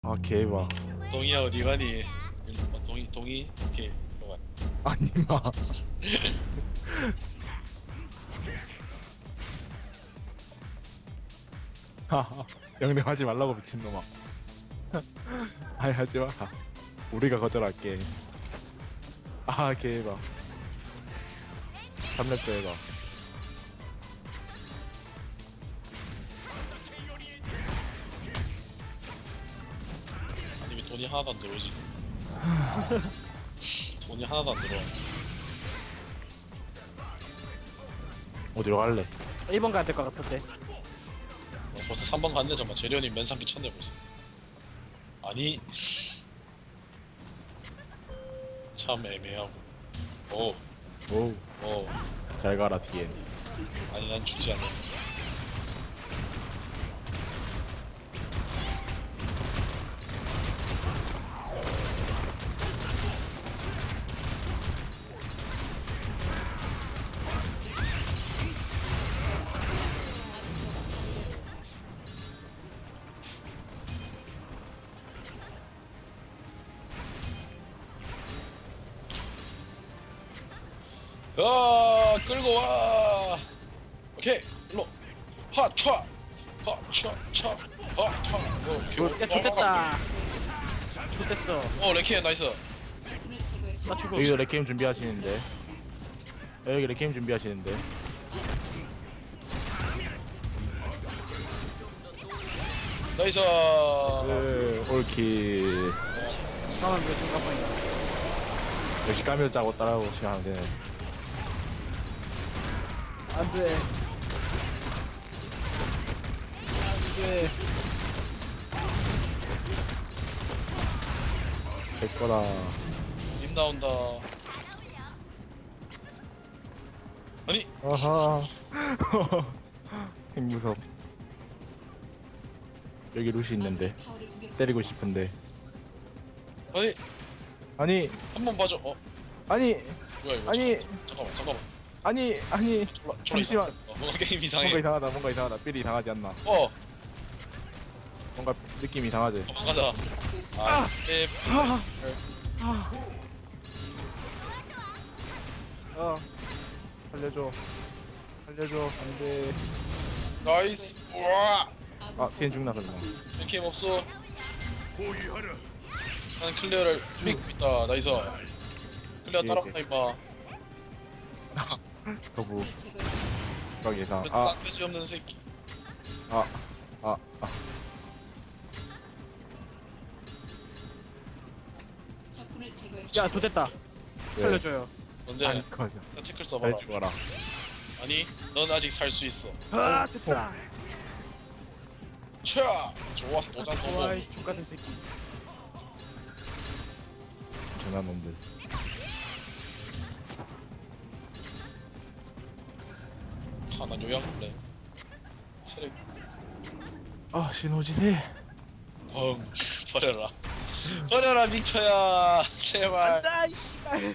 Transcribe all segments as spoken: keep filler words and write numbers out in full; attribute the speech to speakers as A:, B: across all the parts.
A: 아 개봐.
B: 동이야 어디 가니? 일로 와. 동이 동이 오케이 일로 와.
A: 아니 마. 하하. 영령하지 말라고 미친놈아. 아이 하지 마. 우리가 거절할게. 아 개봐. 삼 렙도 해봐.
B: 아니 왜 돈이 하나도 안 들어오지? 돈이 하나도 안 들어와.
A: 어디로 갈래?
C: 일 번 가야 될 것 같은데.
B: 어, 벌써 삼 번 갔네. 잠깐 재련이 면상기 쳤네 벌써. 아니 참 애매하고. 오,
A: 오우.
B: 오.
A: 잘 가라 디엔.
B: 아니 난 죽지 않아. 아 끌고 와. 오케이 일로 하차 하차차 하차.
C: 야, 좋됐다. 좋됐어.
B: 어 레키엔 나이스.
C: 나 죽어.
A: 여기도 레게임 준비하시는데. 여기 레게임 준비하시는데.
B: 나이스.
A: 네, 올킬.
C: 잠깐만, 왜 잠깐만요.
A: 역시 까밀 짜고 따라오시면 안 되네.
C: 안 돼. 안 돼.
A: 될 거다.
B: 님 나온다. 아니
A: 아하. 핵무섭. 여기 루시 있는데 때리고 싶은데.
B: 아니
A: 아니
B: 한 번 봐줘. 어
A: 아니
B: 뭐야 이거?
A: 아니.
B: 잠깐만 잠깐만. 잠깐만.
A: 아니 아니.
B: 졸라, 졸라
A: 잠시만.
B: 이상하다. 어, 뭔가 게임 이상해.
A: 뭔가 이상하다. 뭔가 이상하다. 삘이 이상하지 않나?
B: 어
A: 뭔가 느낌이 이상하지.
B: 도망가자. 아, 네.
A: 어. 살려줘. 살려줘. 안돼.
B: 나이스. 우와.
A: 아 티엔 죽나 설마.
B: 게임 없어. 나는 클리어를 믿고 있다. 나이스. 클리어
A: 예,
B: 따라간다 임마.
A: 더부. 추가 예상.
B: 그
A: 아.
B: 싸가지 없는 새끼.
A: 아. 아. 아.
C: 야, 좋됐다.
A: 네.
C: 살려줘요.
B: 뭔데?
A: 아니 커져.
B: 나 태클
A: 잘
B: 써봐라.
A: 죽어라.
B: 아니, 넌 아직 살 수 있어.
C: 아, 됐다.
B: 차. 좋았어. 도장
C: 와,
B: 넘어.
C: 이 X같은 새끼.
A: 전한 놈들.
B: 아, 난 요양 볼래. 체력
A: 아 신호지세.
B: 펑 버려라. 버려라 빅터야. 제발.
C: 안다, 이 씨발.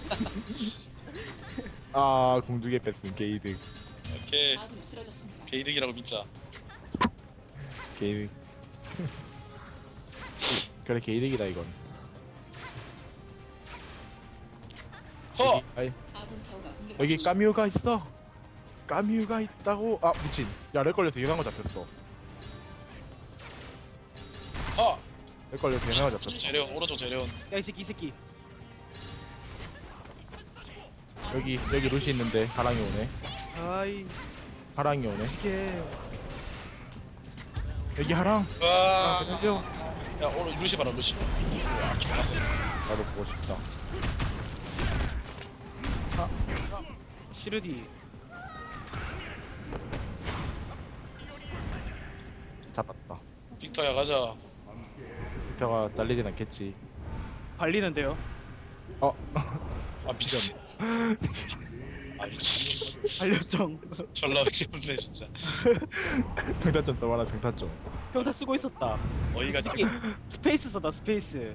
A: 아 공두개 뺐음 게이득.
B: 오케이. 게이득이라고 믿자.
A: 게이득. 그래 게이득이다 이건.
B: 허.
A: 여기, 아이, 여기 까뮤가 있어. 까뮤가 있다고. 아 미친. 야렉 걸려서 이상한 거 잡혔어.
B: 허.
A: 렉 걸려서 이상한 거 잡혔어.
B: 재련 오른쪽 재련.
C: 야, 이 새끼, 이 새끼.
A: 여기 여기 루시 있는데 하랑이 오네.
C: 아이,
A: 하랑이 오네.
C: 이게.
A: 여기 하랑.
B: 와.
A: 살려.
B: 야 오늘 루시 봐라 루시. 와 좋았어.
A: 나도 보고 싶다.
C: 시르디.
A: 잡았다.
B: 빅터야 가자.
A: 밑에가 잘리진 않겠지.
C: 발리는데요.
A: 어.
B: 아 미친. 아 미친.
C: 발렸정.
B: 졸라 귀엽네 진짜.
A: 평타점 써봐라 평타점.
C: 평타 쓰고 있었다.
B: 어이가
C: 이 새끼 스페이스 썼다, 스페이스.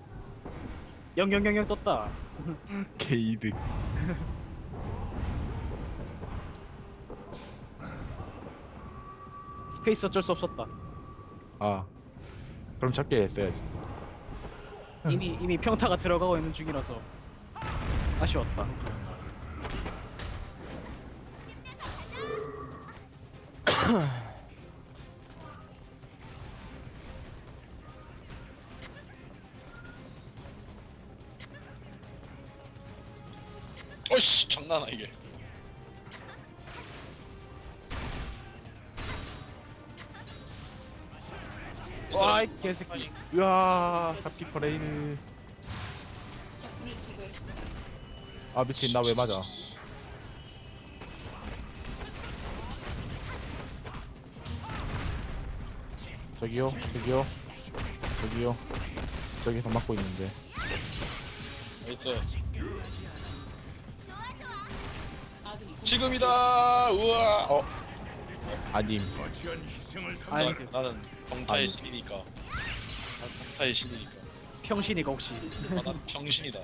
C: 영영영영 떴다.
A: 게이득.
C: 스페이스 어쩔 수 없었다.
A: 아 그럼 작게 했어야지.
C: 이미 이미 평타가 들어가고 있는 중이라서 아쉬웠다.
B: 어이씨 장난아 이게.
C: 와, 이 개새끼.
A: 으아, 잡기 퍼레이드. 아 미친, 나 왜 맞아? 저기요, 저기요, 저기요. 저기서 맞고 있는데.
B: 나이스. 지금이다. 우와. 어.
A: 아님.
C: 아니,
B: 자, 나는 병타의
A: 아니.
B: 신이니까. 난 병타의 신이니까.
C: 평신이가 혹시
B: 아, 난 병신이다.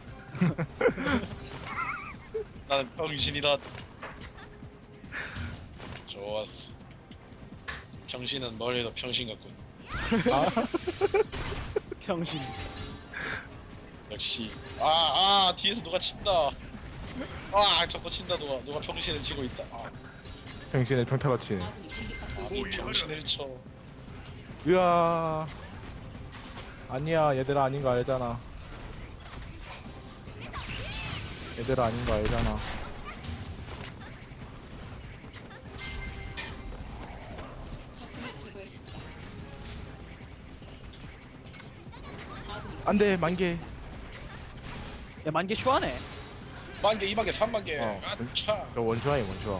B: 나는 병신이다. 좋았어. 병신은 멀리도 병신 같군.
C: 평신.
B: 역시. 아, 아, 뒤에서 누가 친다. 아, 저거 친다. 누가 누가 병신을 치고 있다. 아,
A: 병신의 평타가 치네.
B: 아니 병신을 쳐.
A: 으아. 아니야, 얘들아 아닌 거 알잖아. 얘들아 아닌 거 알잖아. 안돼, 만개.
C: 야, 만개 슈하네.
B: 만 개, 이만 개, 삼만 개.
A: 어.
B: 아차.
A: 저 원슈아이 원슈아.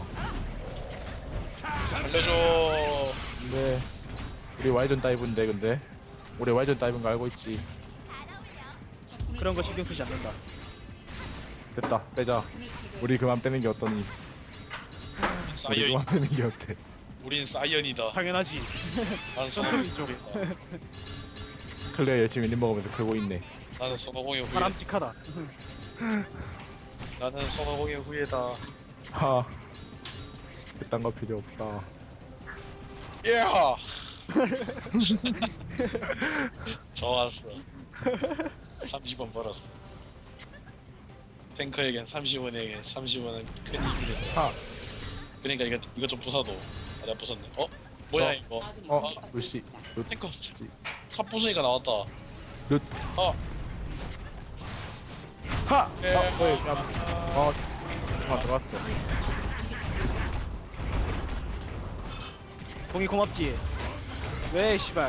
B: 살려줘.
A: 근데 우리 와이전 다이브인데, 근데 우리 와이전 다이브인 거 알고 있지.
C: 그런 거 신경 쓰지 않는다.
A: 됐다, 빼자. 우리 그만 빼는 게 어떠니? 우리
B: 사이언.
A: 그만 빼는 게 어때?
B: 우린 사이언이다.
C: 당연하지.
B: 난
C: 선생님
B: 손오공이다.
A: 클레어 열심히 림 먹으면서 크고 있네.
B: 나는 손오공의 후예.
C: 바람직하다.
B: 나는 손오공의 후예다.
A: 하. 그딴 거 필요 없다.
B: 예. 좋았어. 삼십 원 벌었어. 탱커에겐 삼십 원에게 삼십 원은 큰 힘이 된다.
A: 하.
B: 그러니까 이거 이거 좀 부숴도. 아, 내가 부쉈네. 어? 뭐야
A: 어.
B: 이거?
A: 어, 루시. 루,
B: 탱커
A: 시.
B: 차 부수니까 나왔다.
A: 루.
B: 어.
A: 하.
B: 예.
A: 아, 왜? 야. 어. 아, 들어갔어.
C: 동이 고맙지. 왜 씨발.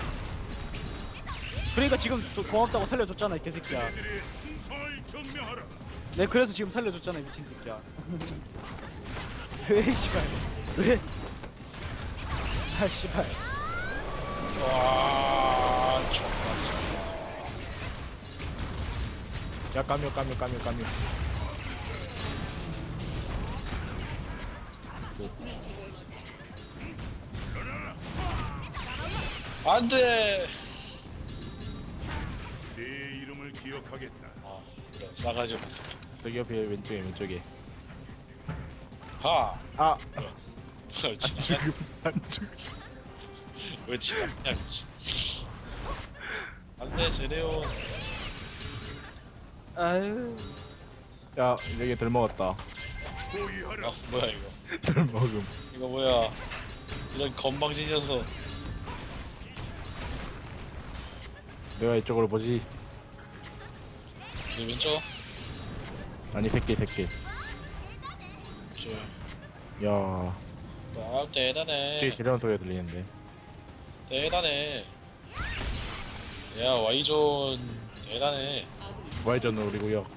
C: 그러니까 지금 또 고맙다고 살려줬잖아 이 개새끼야. 네, 그래서 지금 살려줬잖아 이 미친 새끼야. 왜 씨발. 왜? 아 씨발.
B: 와, 좋았어.
A: 야, 까뮤, 까뮤, 까뮤, 까뮤.
B: 안돼.
D: 내 이름을 기억하겠다.
B: 아, 그래 싸가지 없어.
A: 저기 옆에 왼쪽에 왼쪽에.
B: 하.
A: 아.
B: 왜 지나가?
A: 죽음 안 죽음.
B: 왜 지나냐 미치. 안돼 제레온.
C: 아유.
A: 야, 여기 덜 먹었다.
D: 호위하라.
B: 아 뭐야 이거?
A: 덜 먹음.
B: 이거 뭐야? 이런 건방진 녀석.
A: 내가 이쪽으로 보지.
B: 이 왼쪽.
A: 아니, 새끼, 새끼.
B: 저.
A: 야,
B: 아 대단해.
A: 뒤에 지려는 소리가 들리는데.
B: 대단해. 야 와이존 대단해.
A: 와이전은 우리 구역.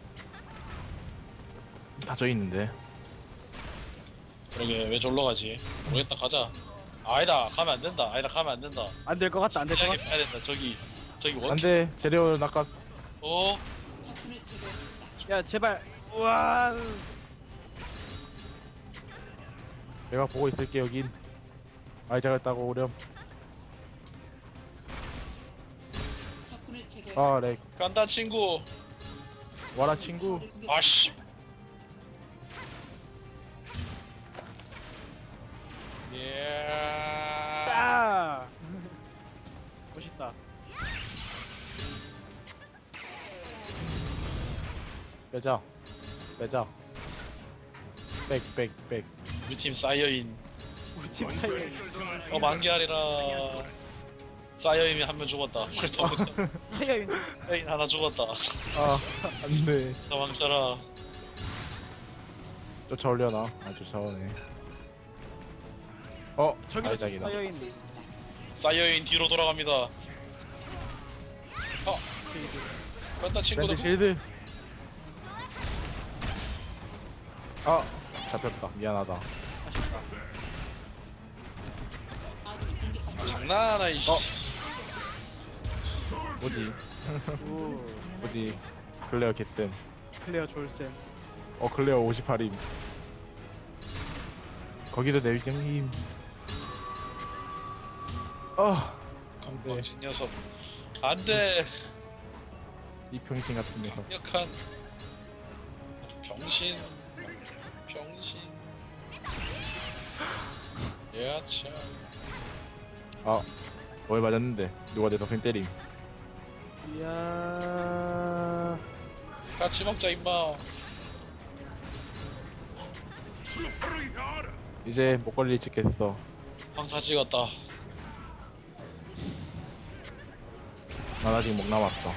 A: 다 져 있는데.
B: 그러게 왜 졸러 가지? 모르겠다 가자. 아니다 가면 안 된다. 아니다 가면 안 된다.
C: 안 될 것 같다. 안 될 것
B: 진지하게
C: 같다.
B: 봐야 된다. 저기 저기 원.
A: 안돼, 재료는 아까
B: 어?
C: 야 제발. 우와.
A: 내가 보고 있을게 여긴. 아이 잘했다고 오렴. 아, 렉.
B: 간다 친구.
A: 와라 친구.
B: 아씨. 예.
C: 아. 멋있다.
A: 빼자. 빼자. 빽빽빽.
B: 우리 팀 쌓여인.
C: 우리 팀 사이에
B: 어 만개아리라. 쌓여인이 한 명 죽었다. 도망쳐.
C: 사이에
B: 쌓여인 하나 죽었다.
A: 아 안돼.
B: 도망쳐라.
A: 쫓아올려나? 아 쫓아오네. 어
C: 저기도
A: 아이작이다.
C: 쌓여 있는.
B: 쌓여인 뒤로 돌아갑니다. 어. 뺐다 친구들.
A: 밴드 실드. 아 잡혔다. 미안하다.
B: 장난하나 이씨.
A: 어. 뭐지?
C: 오
A: 뭐지? 클레어 개쌤.
C: 클레어 졸쌤.
A: 어 클레어 오십팔임. 거기도 내비경님. 아
B: 건방진 녀석. 안돼.
A: 이 병신 같은 녀석.
B: 약한 병신. 병신. 예아차.
A: 아 뭘 맞았는데 누가 내 동생 때림.
C: 이야.
B: 같이 먹자 임마.
D: 불파를 향하라.
A: 이제 목걸이 찍겠어.
B: 황사 찍었다.
A: 난 아직 목 남았어.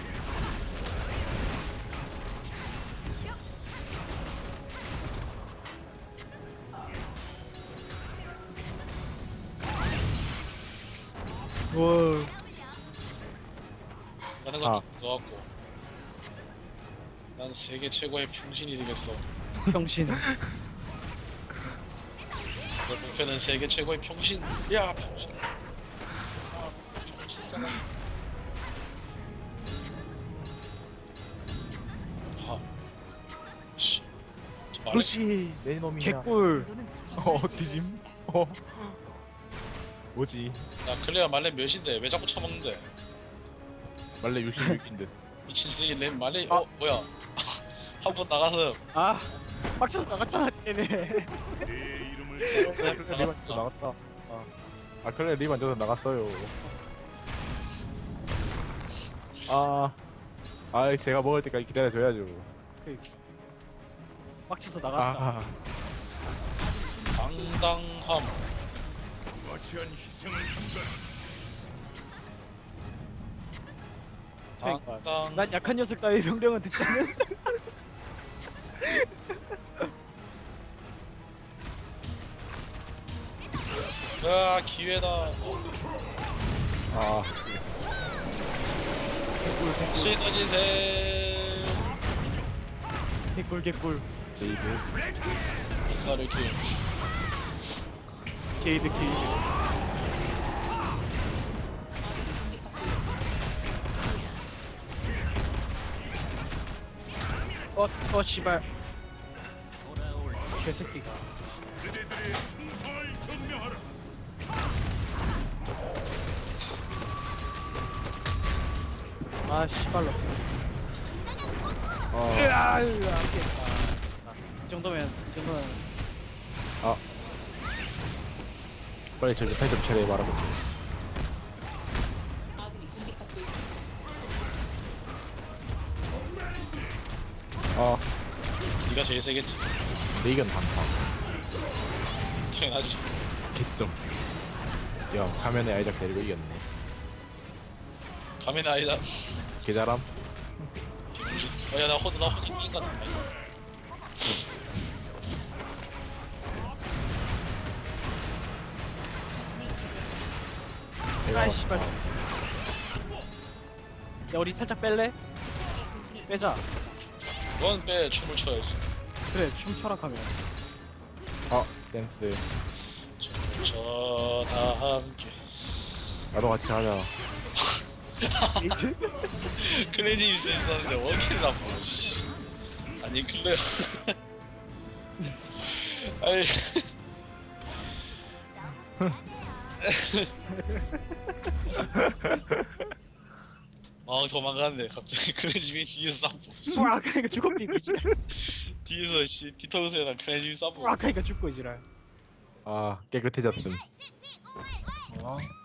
C: 와.
B: 하는
A: 아.
B: 것도 무서웠고. 난 세계 최고의 병신이 되겠어.
C: 병신.
B: 내 목표는 세계 최고의 병신. 야 병신. 아, 병신잖아. 아, 씨. 저 말해.
A: 그렇지 내 놈이야.
C: 개꿀.
A: 어 뒤짐. 어 뭐지?
B: 야 클레어 말레 몇인데 왜 자꾸 처먹는데?
A: 말레 육십육인데.
B: 미친 새끼 내 말레
C: 아.
B: 어 뭐야? 한 번 나가서
C: 아 빡쳐서 나갔잖아 때문에.
D: 내 이름을
A: 클레어 리반 또 나갔다. 아, 아 클레어 리반 저도 나갔어요. 아, 아 제가 먹을 때까지 기다려줘야죠.
C: 빡쳐서 나갔다.
A: 아,
B: 당당함.
D: 거치한 희생을 삼가.
C: 그러니까.
B: 당당.
C: 난 약한 녀석 따위 명령은 듣지 않는.
B: 아 기회다.
A: 아,
B: 시너지세.
C: 개꿀 개꿀.
A: 제이드.
B: 뱃살을 키.
C: 게이드 게이드. 어, 어, 씨발. 개새끼가.
D: 그대들의 충성을 증명하라.
C: 아, 씨발로.
A: 어,
C: 으아, 으아, 안 깼다. 이 정도면, 이 정도면.
A: 빨리 저기 타이틀 차례 말하고. 아,
B: 네가 제일 세겠지.
A: 레이건 단타.
B: 당연하지.
A: 개점. 야, 가면에 아이작 데리고 이겼네.
B: 가면 아니다.
A: 개잘함.
B: 어야 나 호드 나 호드 게임 같은데.
A: 내가
C: 아, 씨발. 야, 우리 살짝 뺄래? 빼자.
B: 넌 빼 춤을 춰야지.
C: 그래, 춤춰라 하면.
A: 아, 댄스.
B: 춤을 춰다 함께.
A: 나도 같이 하자.
C: 게이드?
B: 클레지 입수 있었는데 원킬을 안 보고. 씨. 아니 클레어. 아이. 아 도망갔네 갑자기 클레지민 뒤에서 쌈보.
C: 뿌락하니까 죽어 삐기지.
B: 뒤에서 씨 뒤통수에다 클레지민 쌈보.
C: 뿌락하니까 죽고 이지랄.
A: 아, 깨끗해졌음.
C: 어.